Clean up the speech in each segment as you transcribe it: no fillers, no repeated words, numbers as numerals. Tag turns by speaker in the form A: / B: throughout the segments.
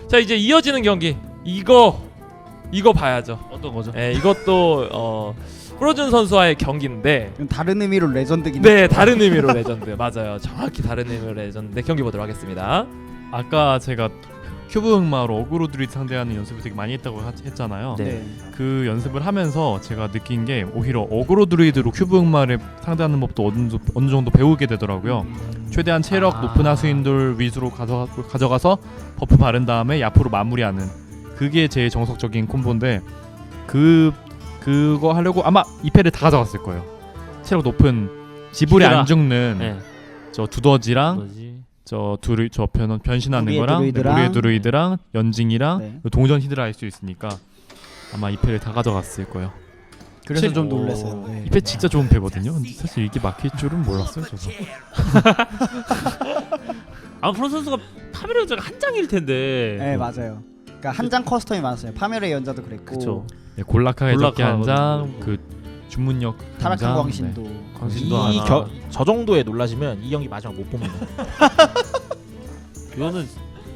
A: 자 이제 이어지는 경기 이거 봐야죠.
B: 어떤 거죠?
A: 네, 이것도 프로즌 선수와의 경기인데
C: 다른 의미로 레전드긴
A: 네 다른 의미로 레전드 맞아요. 정확히 다른 의미로 레전드 경기 보도록 하겠습니다.
B: 아까 제가 큐브 흑마로 어그로 드루이드 상대하는 연습을 되게 많이 했다고 했잖아요.
A: 네.
B: 그 연습을 하면서 제가 느낀 게 오히려 어그로 드루이드로 큐브 흑마를 상대하는 법도 어느 정도 배우게 되더라고요. 최대한 체력 높은 하수인들 위주로 가져가서 버프 바른 다음에 야프로 마무리하는 그게 제일 정석적인 콤보인데 그거 하려고 아마 2패를 다 가져갔을 거예요. 체력 높은 지불이
A: 히드라.
B: 안 죽는
A: 네.
B: 저 두더지랑
A: 뭐지?
B: 저 변신하는
C: 무리의
B: 거랑
C: 드루이드랑
B: 무리의 드루이드랑 연징이랑
C: 네.
B: 동전 히드라 할 수 있으니까 아마 2패를 다 가져갔을 거예요.
C: 그래서 좀
A: 오.
C: 놀랐어요. 네.
B: 2패 진짜 좋은 패거든요. 근데 사실 이게 막힐 줄은 몰랐어요, 저도.
A: 프로 선수가 파멸의 연자가 한 장일 텐데.
C: 네 맞아요. 그러니까 한 장 커스텀이 많았어요. 파멸의 연자도 그랬고
A: 그쵸.
B: 네, 골라카의 적기 한 장,
A: 골라카.
B: 그 주문력 한
C: 타락한
B: 장,
C: 광신도
B: 네. 광신도 하나.
D: 저 정도에 놀라시면 이 경기 마지막 못 봅니다.
A: 이거는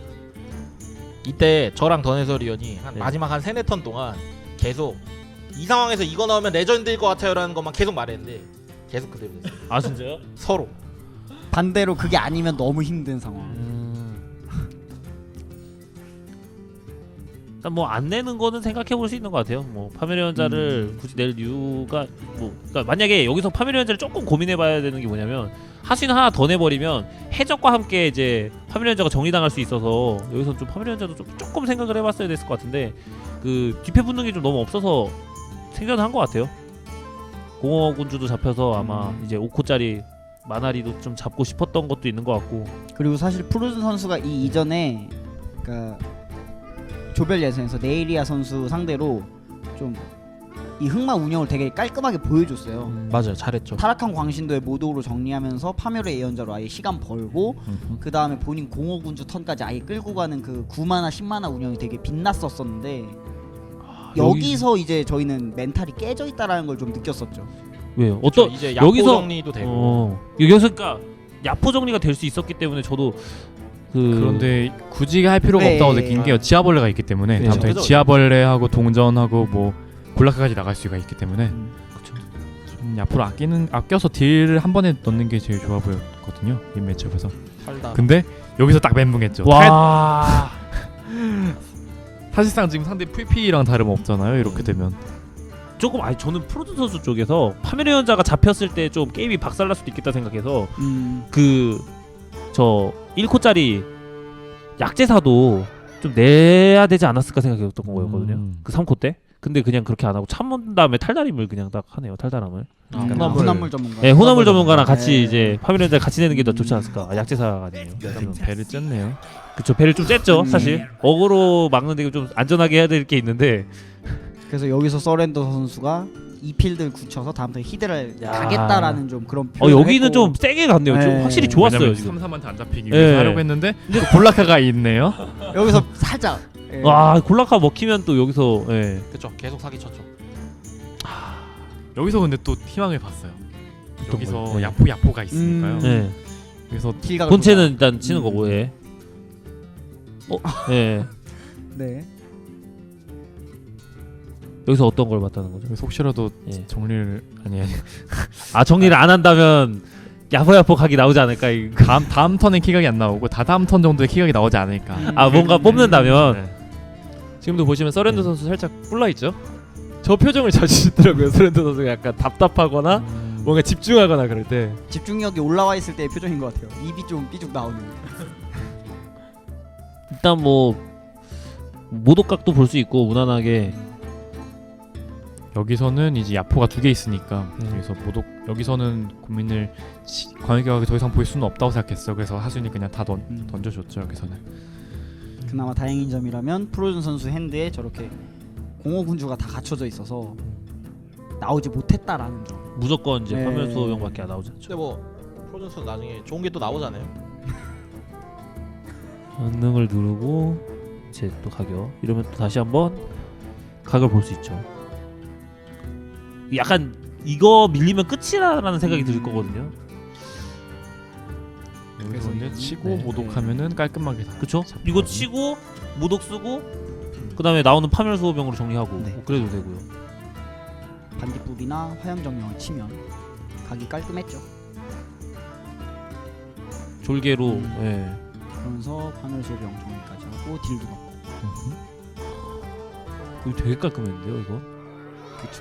D: 이때 저랑 던 해설위원이 한
A: 네.
D: 마지막 한 3-4턴 동안 계속 이 상황에서 이거 나오면 레전드일 것 같아요라는 것만 계속 말했는데 계속 그대로 됐어요.
A: 진짜요?
D: 서로.
C: 반대로 그게 아니면 너무 힘든 상황.
A: 일단 뭐 안 내는 거는 생각해 볼 수 있는 것 같아요. 뭐 파멸의 연자를 굳이 낼 이유가 뭐 그러니까 만약에 여기서 파멸의 연자를 조금 고민해봐야 되는 게 뭐냐면 하수인 하나 더 내버리면 해적과 함께 이제 파멸의 연자가 정리당할 수 있어서 여기서 좀 파멸의 연자도 좀 조금 생각을 해봤어야 됐을 것 같은데 그 뒤패 붙는 게 좀 너무 없어서 생겨난 것 같아요. 공허군주도 잡혀서 아마 이제 5코짜리 마나리도 좀 잡고 싶었던 것도 있는 것 같고.
C: 그리고 사실 프로즌 선수가 이 이전에 그러니까 조별 예선에서 네이리아 선수 상대로 좀 이 흑마 운영을 되게 깔끔하게 보여줬어요.
D: 맞아요, 잘했죠.
C: 타락한 광신도의 모독으로 정리하면서 파멸의 예언자로 아예 시간 벌고 그 다음에 본인 공허군주 턴까지 아예 끌고 가는 그 9마나 10마나 운영이 되게 빛났었었는데 여기서 이제 저희는 멘탈이 깨져 있다라는 걸 좀 느꼈었죠.
A: 왜요?
D: 어떤 이제 야포
A: 여기서
D: 정리도 되고.
A: 여기서 그러니까 야포 정리가 될 수 있었기 때문에 저도
B: 그런데 굳이 할 필요가
C: 네.
B: 없다고 느낀 게 지하벌레가 있기 때문에
A: 네.
B: 다음에
D: 그죠.
B: 지하벌레하고 동전하고 뭐 골라카까지 나갈 수가 있기 때문에
A: 그쵸.
B: 좀 앞으로 아껴서 딜을 한 번에 넣는 게 제일 좋아 보였거든요, 이 매치업에서.
D: 살다.
B: 근데 여기서 딱 멘붕했죠.
A: 와.
B: 사실상 지금 상대 VP랑 다름없잖아요, 이렇게 되면.
A: 조금 저는 프로즌 선수 쪽에서 파멸의 연자가 잡혔을 때 좀 게임이 박살날 수도 있겠다 생각해서 그 저 1코짜리 약제사도 좀 내야 되지 않았을까 생각했던 거였거든요. 그 3코 때. 근데 그냥 그렇게 안 하고 참은 다음에 탈다림을 그냥 딱 하네요. 탈다람을.
C: hunam물 전문가.
A: 네, 호나물 전문가랑
C: 네.
A: 같이 이제 파멸의 연자 같이 내는 게 더 좋지 않았을까. 약제사가 아니에요.
B: 좀 배를 쬐네요.
A: 그쵸. 배를 좀 쬐죠. 사실. 어그로 막는 데 좀 안전하게 해야 될 게 있는데
C: 그래서 여기서 서렌더 선수가 이 필드를 굳혀서 다음부터 히드를
A: 야.
C: 가겠다라는 좀 그런 표현을
A: 여기는
C: 했고.
A: 좀 세게 갔네요. 좀
C: 네.
A: 확실히 좋았어요.
B: 왜냐면
A: 지금.
B: 3-3한테 안 잡히기
A: 네.
B: 위해서 하려고 했는데 골라카가 있네요.
C: 여기서 살짝
A: 와 골라카 먹히면 또 여기서 예.
D: 그쵸, 계속 사기 쳤죠.
B: 여기서 근데 또 희망을 봤어요. 여기서
A: 거예요?
B: 야포가 있으니까요.
A: 예.
B: 그래서
C: 킬각을
A: 본체는 일단 치는 거고 예. 예.
C: 네.
A: 여기서 어떤 걸 봤다는 거죠?
B: 그래서 혹시라도
A: 예.
B: 정리를 아니
A: 정리를 안 한다면 야포야포 각이 나오지 않을까?
B: 다음 턴에 키각이 안 나오고 다다음 턴 정도에 키각이 나오지 않을까.
A: 뭔가 뽑는다면
B: 네.
E: 지금도 보시면 서렌더 선수 살짝 뿔나 있죠? 저 표정을 자주 짓더라고요. 서렌더 선수가 약간 답답하거나 뭔가 집중하거나 그럴 때.
C: 집중력이 올라와 있을 때의 표정인 것 같아요. 입이 좀 삐죽 나오는.
A: 일단 뭐 모독각도 볼 수 있고 무난하게
B: 여기서는 이제 야포가 2개 있으니까
A: 네.
B: 여기서 여기서는 고민을 광역격하게 더 이상 보일 수는 없다고 생각했어. 그래서 하수인이 그냥 다 던져줬죠. 여기서는.
C: 그나마 다행인 점이라면 프로즌 선수 핸드에 저렇게 공허군주가 다 갖춰져 있어서 나오지 못했다라는 점.
A: 무조건 이제
C: 네.
A: 파멸 수호병밖에 안 나오지
D: 근데
A: 않죠.
D: 뭐 프로즌 선 나중에 좋은 게 또 나오잖아요.
A: 전능을 누르고 이제 또 가격 이러면 또 다시 한번 각을 볼 수 있죠. 약간 이거 밀리면 끝이라는 생각이 들 거거든요.
B: 여기서 이제 치고
E: 네.
B: 모독하면은 깔끔하게 다.
A: 그쵸? 이거 치고 모독 쓰고 그다음에 나오는 파멸수호병으로 정리하고
C: 네.
A: 뭐 그래도 되고요.
C: 반딧불이나 화염정령을 치면 각이 깔끔했죠.
A: 졸개로 예.
C: 그러면서 파멸소병 정리까지 하고 딜도 넣고.
A: 이거 되게 깔끔했는데요, 이거.
C: 그렇죠.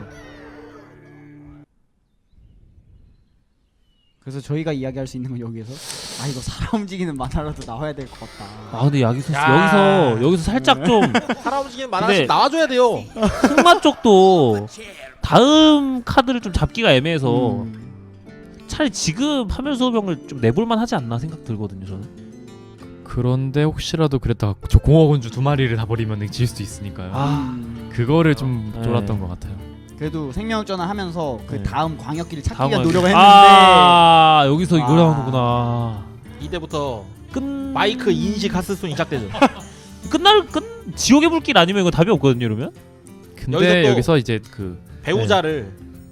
C: 그래서 저희가 이야기할 수 있는 건 여기에서 이거 사람 움직이는 만화라도 나와야 될 것 같다.
A: 아 근데 야기소스
D: 야.
A: 여기서 살짝 좀
D: 사람 움직이는
A: 근데-
D: 만화씩 나와줘야 돼요.
A: 흑마 쪽도 다음 카드를 좀 잡기가 애매해서 차라리 지금 파멸수호병을 좀 내볼만 하지 않나 생각 들거든요, 저는.
B: 그런데 혹시라도 그랬다가 저 공허군주 2마리를 다 버리면 질 수도 있으니까요. 그거를 좀
A: 네.
B: 쫄았던 것 같아요.
C: 그래도 생명전환 하면서 그
A: 네.
C: 다음 광역기를 찾기
A: 다음
C: 위한
A: 화기.
C: 노력을 했는데
A: 아 여기서 이걸
C: 아.
A: 하는구나.
D: 이때부터
A: 끝
D: 마이크 인식 하스손 시작되죠.
A: 지옥의 불길 아니면 이거 답이 없거든요, 이러면.
B: 근데
D: 또-
B: 여기서 이제 그
D: 배우자를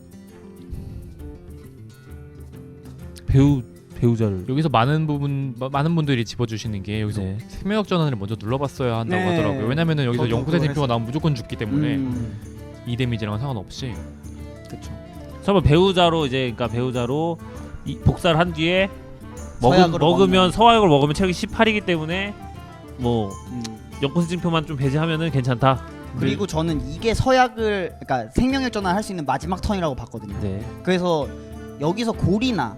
A: 배우자를
B: 여기서 많은 분들이 집어주시는 게 여기서
A: 네.
B: 생명력 전환을 먼저 눌러봤어야 한다고
C: 네.
B: 하더라고요. 왜냐면은 여기서
C: 저도
B: 영구세
C: 그거
B: 대표가 나오면 무조건 죽기 때문에
C: 음,
B: 이 데미지랑은 상관없이
C: 그쵸.
A: 설마 배우자로 이제 그러니까 배우자로 복사를 한 뒤에
C: 서약으로
A: 먹으면 서약을 먹으면 체력이 18이기 때문에 뭐
C: 음.
A: 연꽃진표만 좀 배제하면은 괜찮다.
C: 그리고 저는 이게 서약을 그러니까 생명력 전환 할 수 있는 마지막 턴이라고 봤거든요.
A: 네.
C: 그래서 여기서 골이나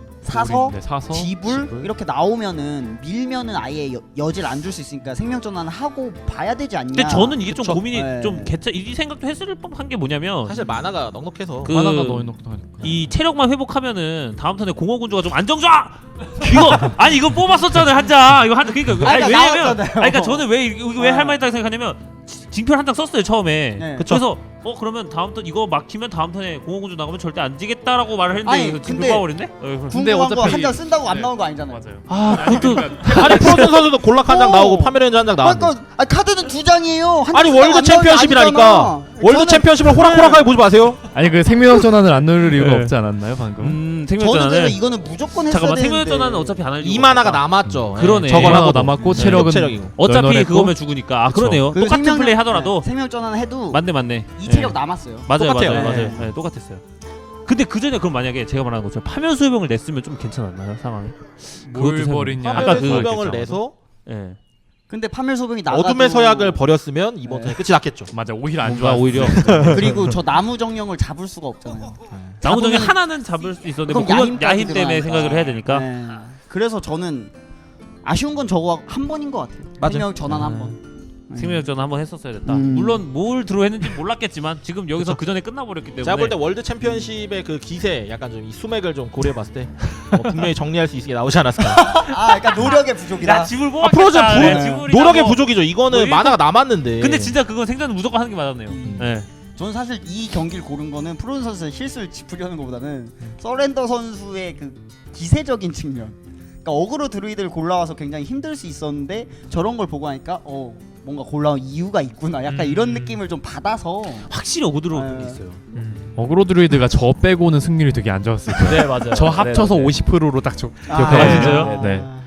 C: 사서
B: 네, 사서
C: 지불 이렇게 나오면은 밀면은 아예 여지를 안 줄 수 있으니까 생명 전환을 하고 봐야 되지 않냐.
A: 근데 저는 이게 좀
C: 그쵸?
A: 고민이
C: 네.
A: 좀 이 생각도 했을 법한 게 뭐냐면
D: 사실 만화가 넉넉해서
A: 그-
B: 하나가 넣어놓고 하니까.
A: 이 체력만 회복하면은 다음 턴에 공허군주가 좀 안정좌 이거 아니 이거 뽑았었잖아요 한장 이거 그러니까
C: 아니,
A: 아니,
C: 그러니까
A: 왜냐면
C: 나왔잖아요.
A: 그러니까 저는 왜 이거 왜
C: 아.
A: 할 만했다고 생각하냐면 징표를 한 장 썼어요 처음에.
C: 네.
A: 그래서 그러면 다음 턴 이거 막히면 다음 턴에 공허군주 나가면 절대 안 지겠다라고 말을 했는데
C: 아니,
A: 그래서 징표
C: 근데-
A: 까버렸네.
B: 근데
C: 궁금한 거
B: 어차피-
C: 한 장 쓴다고 안
B: 네.
C: 나온 거 아니잖아요.
B: 맞아요.
A: 아 그것도
D: 아니 프로즌 선수도 골락 한 장
C: 오.
D: 나오고 파멸의 한 장 나왔는데
C: 그러니까 카드는 2장이에요.
D: 아니 월드 챔피언십이라니까. 월드 챔피언십을 호락호락하게 보지 마세요.
B: 아니 그 생명력 전환을 안 누를 이유가
A: 네.
B: 없지 않았나요 방금?
C: 저는 그래서
A: 생명전환을
C: 이거는 무조건 했어야
A: 잠깐만
C: 되는데.
A: 생명전환은 어차피 안 할 이유가
D: 이 만화가
A: 없다.
D: 남았죠.
A: 그러네.
D: 저걸
B: 하나가
D: 하고
B: 남았고
A: 네.
B: 체력은
D: 체력이고.
A: 어차피
B: 널널했고.
A: 그거면 죽으니까. 아
B: 그쵸.
A: 그러네요.
C: 그
A: 똑같은
C: 생명력-
A: 플레이 하더라도
C: 네, 생명전환 해도
A: 맞네.
C: 이 체력
A: 네.
C: 남았어요.
A: 맞아요,
D: 똑같아요.
A: 맞아요,
C: 네.
A: 맞아요. 네, 똑같았어요. 근데 그 전에 그럼 만약에 제가 말하는 것처럼 파멸수호병을 냈으면 좀 괜찮았나요 상황이?
B: 뭘
A: 그것도
B: 버리냐?
A: 아까
D: 파멸의
A: 그-
D: 소병을 내서
A: 예.
C: 근데 파멸소병이 나가도
D: 어둠의 서약을 버렸으면 이번
C: 네.
D: 턴에 끝이 났겠죠.
B: 맞아 오히려 안
A: 뭔가
B: 좋아.
A: 오히려
C: 그리고 저 나무 정령을 잡을 수가 없잖아요.
A: 나무 중에
C: 잡으면은-
A: 하나는 잡을 수 있었는데 뭐
C: 그럼
A: 그건 야힘
C: 야힘까지
A: 때문에
C: 들어가니까.
A: 생각을 해야 되니까.
C: 네. 그래서 저는 아쉬운 건 저거 한 번인 것 같아요.
D: 맞아요.
C: 생명 전환 한 번.
A: 생명전 한번 했었어야 됐다.
C: 음.
A: 물론 뭘 들어 했는지 몰랐겠지만 지금 여기서 그 전에 끝나버렸기 때문에.
D: 제가 볼 때 월드 챔피언십의 그 기세 약간 좀 이 수맥을 좀 고려해봤을 때 분명히 정리할 수 있게 나오지 않았을까.
C: 그러니까 노력의 부족이다.
A: 야 집을
D: 아, 프로즌
A: 뽑았겠다.
D: 부르-
A: 네, 지불이나
D: 노력의
A: 뭐.
D: 부족이죠. 이거는
A: 뭐 일곱-
D: 만화가 남았는데.
A: 근데 진짜 그건 생전은 무조건 하는 게 맞았네요.
C: 음.
A: 네.
C: 저는 사실 이 경기를 고른 거는 프로즌 선수의 실수를 짚으려는 것보다는 서렌더 선수의 그 기세적인 측면. 그러니까 어그로 드루이드를 골라와서 굉장히 힘들 수 있었는데 저런 걸 보고 하니까 뭔가 골라온 이유가 있구나. 약간 이런 느낌을 좀 받아서
A: 확실히 오고들어
C: 네.
A: 게 있어요.
B: 어그로 드루이드가 저 빼고는 승률이 되게 안 좋았을 거예요.
E: 네 맞아요.
B: 저 합쳐서
E: 네, 네.
B: 50%로 딱
C: 아,
B: 기억해요.
A: 진짜요?
B: 네.